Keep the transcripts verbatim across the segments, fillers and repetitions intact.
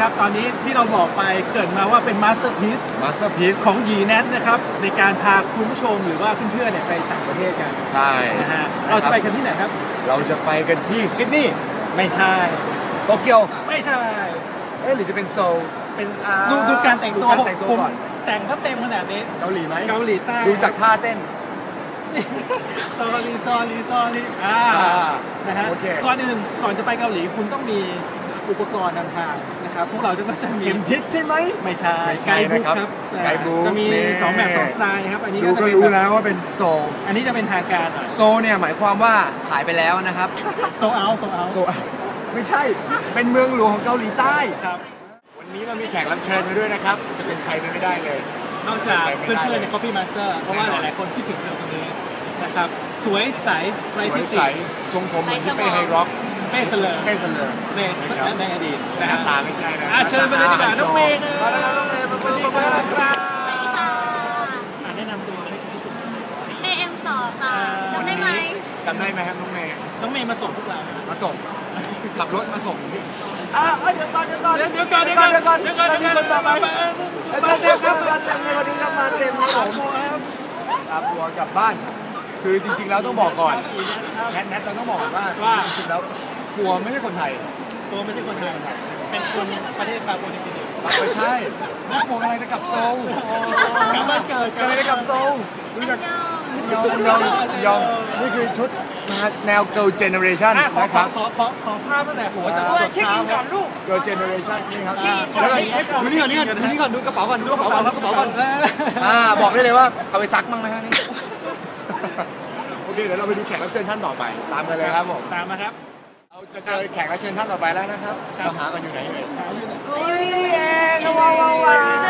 นะครับตอนนี้ที่เราบอกไปเกิดมาว่าเป็นมาสเตอร์พีซมาสเตอร์พีซของหยีแนทนะครับในการพาคุณผู้ชมหรือว่าเพื่อนๆเนี่ยไปต่างประเทศกันใช่นะฮะเราจะไปกันที่ไหนครับเราจะไปกันที่ซิดนีย์ไม่ใช่โตเกียวไม่ใช่เอ๊ะหรือจะเป็นโซลเป็นดูดูการแต่งตัวแต่งตัวก่อนแต่งเขาเต็มขนาดนี้เกาหลีไหมเกาหลีใต้ดูจากท่าเต้นซอรี่ซอรี่ซอรี่อ่านะฮะก่อนอื่นก่อนจะไปเกาหลีคุณต้องมีอุปกรณ์นำทางนะครับพวกเราจะก็จะมีเข็มทิศใช่ไหมไม่ใช่ไกด์บุ๊กครับไกด์บุ๊กจะมีสองแบบสองสไตล์ครับอันนี้ก็จะรู้แล้วว่าเป็นโซลอันนี้จะเป็นทางการโซลเนี่ยหมายความว่าขายไปแล้วนะครับโซลเอาโซลเอาโซลไม่ใช่เป็นเมืองหลวงของเกาหลีใต้ครับวันนี้เรามีแขกรับเชิญมาด้วยนะครับจะเป็นใครไปไม่ได้เลยนอกจากเพื่อนๆใน Coffee Master เพราะว่าหลายๆคนคิดถึงเรื่องนี้นะครับสวยใสไร้ที่ติทรงผมเหมือนที่เป้ไฮร็อกเป้เสลอเป้เสลอในในอดีตหน้าตาไม่ใช่นะเชิญไปเลยดีกว่าน้องเมย์นะมาแล้วน้องเมย์มาเปิดมาเปิดครับแนะนำตัวให้คุณผู้ชมเมย์เอ็มสองค่ะจำได้ไหมจำได้ไหมครับน้องเมย์น้องเมย์มาส่งพวกเรามาส่งขับรถมาส่งอ่าเดี๋ยวก่อนเดี๋ยวก่อนเดี๋ยวก่อนเดี๋ยวก่อนเดี๋ยวก่อนเดี๋ยวก่อนเดี๋ยวก่อนเดี๋ยวก่อนต่อไปมาเต็มครับมาเต็มวันนี้มาเต็มครับผมครับบัวกลับบ้านคือจริงๆแล้วต้องบอกก่อนแนทแนทเราต้องบอกว่าจริงๆแล้วบัวไม่ใช่คนไทยบัวไม่ใช่คนไทยเป็นคนประเทศปาปัวนิวกินีไม่ใช่นักบัวอะไรจะกลับโซลกลับบ้านเกิดอะไรจะกลับโซลรู้จักยองยองยองนี่คือชุดแนว girl generation นะครับขอขอขอภาพตั้งแต่หัวจะเช็คอินก่อนลูก girl generation นี่ครับแล้วก็ดูนี่ก่อนนี่ก่อนดูนี่ก่อนดูกระเป๋าก่อนดูกระเป๋าก่อนกระเป๋าก่อนอ่าบอกได้เลยว่าเอาไปซักมั่งไหมฮะนี่โอเคเดี๋ยวเราไปดูแขกรับเชิญท่านต่อไปตามกันเลยครับผมตามมาครับเราจะเจอแขกรับเชิญท่านต่อไปแล้วนะครับเราหากันอยู่ไหนเอ่ยเฮ้ยเองว้าวว้าว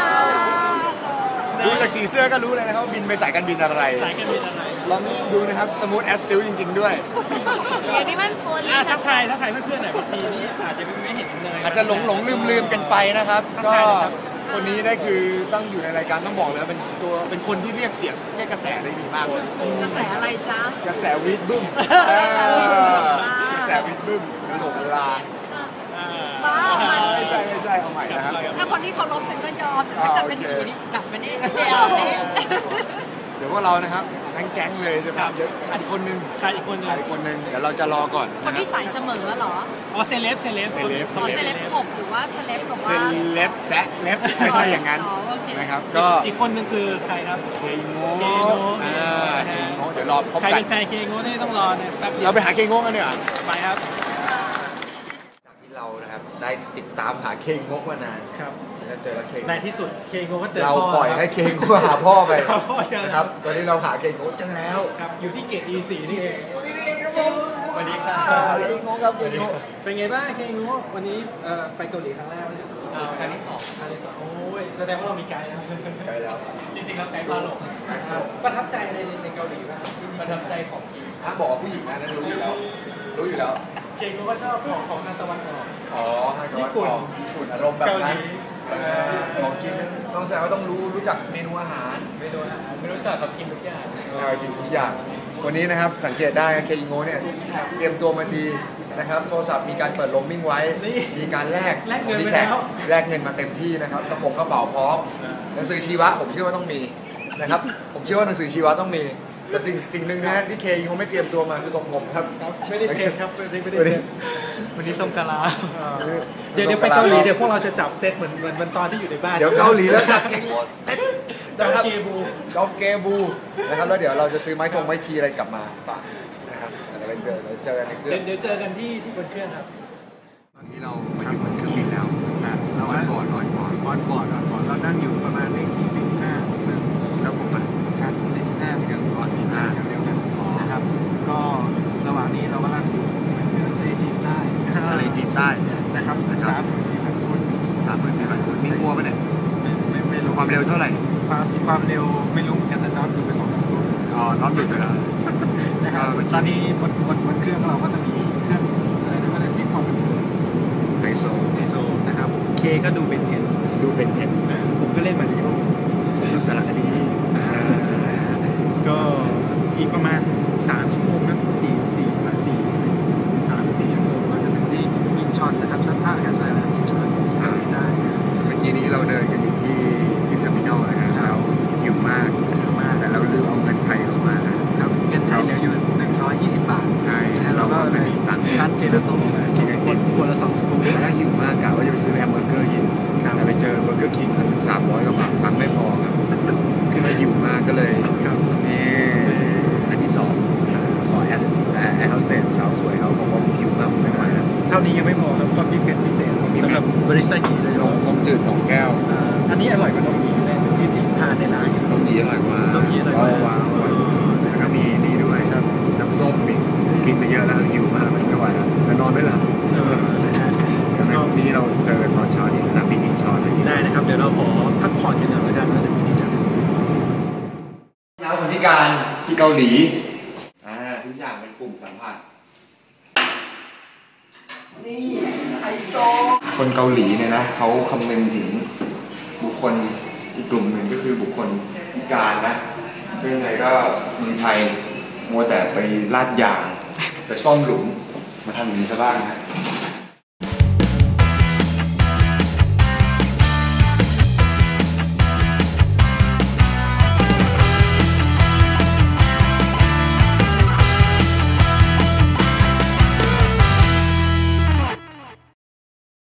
ดูจากสีเสื้อก็รู้เลยนะครับบินไปสายการบินอะไรสายการบินอะไรลองดูนะครับสมูทแอสซิลจริงๆด้วยอย่างนี้มันโฟนทักทายทักทายเพื่อนๆหน่อยบางทีนี้อาจจะไม่เห็นเลยอาจจะหลงหลงลืมลืมกันไปนะครับก็คนนี้ได้คือต้องอยู่ในรายการต้องบอกเลยเป็นตัวเป็นคนที่เรียกเสียงเรียกกระแสได้ดีมากเลยกระแสอะไรจ๊ะกระแสวีดบึ้มกระแสวีดบึ้มโหลกลาบ้าไม่ใช่ไม่ใช่เอาใหม่นะครับถ้าคนที่เขาลบฉันก็ยอมแต่ถ้าเกิดเป็นอย่างนี้กลับมานี่เดี๋ยวนี้เดี๋ยวพวกเรานะครับทั้งแก๊งเลยนะครับเดี๋ยวขาดอีกคนนึงขาดอีกคนนึงขาดอีกคนนึงเดี๋ยวเราจะรอก่อนคนที่ใส่เสมอเหรออ๋อเซเลบเซเลบเซเลบอ๋อเซเลบขบหรือว่าเซเลบแบบว่าเซเลบแซะเล็บไม่ใช่อย่างนั้นนะครับก็อีกคนนึงคือใครครับเคโง่อ่าเคโง่เดี๋ยวรอพบกันใครเป็นแฟนเคโง่นี่ต้องรอเนี่ยแป๊บเดียวเราไปหาเคโง่กันเนี่ยไปครับจากที่เรานะครับได้ติดตามหาเคโง่มานานครับจะเจอเคในที่สุดเคโง่ก็เจอเราปล่อยให้เคโง่หาพ่อไปนะครับตอนนี้เราหาเคโง่เจอแล้วครับอยู่ที่เกต อี สี่ นี่เองนี่เองครับผมสวัสดีครับเคโง่ครับเคโง่เป็นไงบ้างเคโง่วันนี้ไปเกาหลีครั้งแรกไหมครั้งที่สองครั้งที่สองโอ้ยแสดงว่าเรามีไกด์แล้วไกด์แล้วจริงๆแล้วไกด์พาหลงประทับใจอะไรในเกาหลีบ้างประทับใจของกินถ้าบอกผู้หญิงนะนั่นรู้อยู่แล้วรู้อยู่แล้วเคโง่ก็ชอบของของทางตะวันออกอ๋อทางตะวันออกญี่ปุ่นอารมณ์แบบนั้นของกินต้องแสดงว่าต้องรู้รู้จักเมนูอาหารเมนูอาหารไม่รู้จักกับกินทุกอย่างกินทุกอย่างวันนี้นะครับสังเกตได้เคอิโง่เนี่ยเตรียมตัวมาดีนะครับโทรศัพท์มีการเปิดโรมมิ่งไว้มีการแลกแลกเงินไปแล้วแลกเงินมาเต็มที่นะครับกระป๋องกระเป๋าพร้อมหนังสือชีวะผมเชื่อว่าต้องมีนะครับผมเชื่อว่าหนังสือชีวะต้องมีแต่สิ่งสิ่งหนึ่งนะที่เคอิโง่ไม่เตรียมตัวมาคือทรงผมครับไม่ได้เซ็ตครับไม่ได้ไม่ได้วันนี้ทรงกะลาเดี๋ยวเดี๋ยวไปเกาหลีเดี๋ยวพวกเราจะจับเซตเหมือนเหมือนวันตอนที่อยู่ในบ้านเดี๋ยวเกาหลีแล้วจับเคโง่เซตจอเกบูจอเกบูนะครับแล้วเดี๋ยวเราจะซื้อไม้ทงไม้ทีอะไรกลับมาฝากนะครับเดี๋ยวเจอเจอกันในเครื่องเดี๋ยวเจอกันที่ที่บนเครื่องครับตอนนี้เรามาอยู่บนเครื่องบินแล้วเราออนบอร์ดออนบอร์ดออนบอร์ดออนบอร์ดเรานั่งอยู่ประมาณเลขที่สี่สิบห้าแล้วผมอ่ะครับสี่สิบห้าเหมือนกันอ๋อสี่สิบห้าเดียวกันนะครับก็ระหว่างนี้เรากำลังอยู่ทะเลจีนใต้ทะเลจีนใต้นะครับสามหมื่นสี่พันฟุตสามหมื่นสี่พันฟุตมีงัวป่ะเนี่ยไม่ไม่รู้ความเร็วเท่าไหร่ความความเร็วไม่รู้กันแต่น็อตดูไปสองพันฟุตอ๋อน็อตหลุดไปแล้วนะครับตอนนี้บนบนบนเครื่องเราก็จะมีเครื่องอะไรนะก็เรียกที่ความเป็นไฮโซไฮโซนะครับเคก็ดูเป็นเทนดูเป็นเทนผมก็เล่นมาริโอดูสารคดีก็อีกประมาณสามชั่วโมงนะสี่สี่ประมาณสี่สามสี่ชั่วโมงเราจะถึงที่อินชอนนะครับชั้นท่าอากาศยานอินชอนได้ดินกันอยู่ที่ที่เทอร์มินอลนะฮะแล้วหิวมากแต่เราลืมเอาเงินไทยเข้ามาครับเงินไทยเหลืออยู่หนึ่งร้อยยี่สิบบาทใช่เราก็เลยสั่งซัดเจลาโต้กินคนคนละสองสกู๊ปถ้าหิวมากกะว่าจะไปซื้อแฮมเบอร์เกอร์กินแต่ไปเจอเบอร์เกอร์คิงมันสามร้อยกว่าบาทตังค์ไม่พอครับคือเราหิวมากก็เลยนี่อันที่สองขอแอร์แอร์โฮสเตสสาวสวยเขาบอกว่าหิวมากไม่ไหวแล้วเท่านี้ยังไม่พอครับความพิเศษพิเศษสำหรับบริษัทกีเลยนมนมจืดสองแก้วอันนี้อร่อยกว่านมยีเลยที่ที่ทานในร้านนมยีอร่อยกว่านมยีอร่อยกว่าแล้วก็มีนี่ด้วยน้ำส้มอีกกินไปเยอะแล้วหิวมากไม่ไหวแล้วแล้วนอนไม่หลับนี่เราเจอกันตอนเช้าที่สนามบินอินชอนได้นะครับเดี๋ยวเราขอพักผ่อนกันหน่อยแล้วกันแล้วเดี๋ยวนี้จะแล้วคนพิการที่เกาหลีอ่าทุกอย่างเป็นปุ่มสัมผัสนี่ไฮโซคนเกาหลีเนี่ยนะเขาคำนึงถึงบุคคลอีกกลุ่มหนึ่งก็คือบุคคลพิการนะเรื่องไงก็เมืองไทยมัวแต่ไปลาดยางไปซ่อมหลุมมาทำอย่างนี้ซะบ้างนะ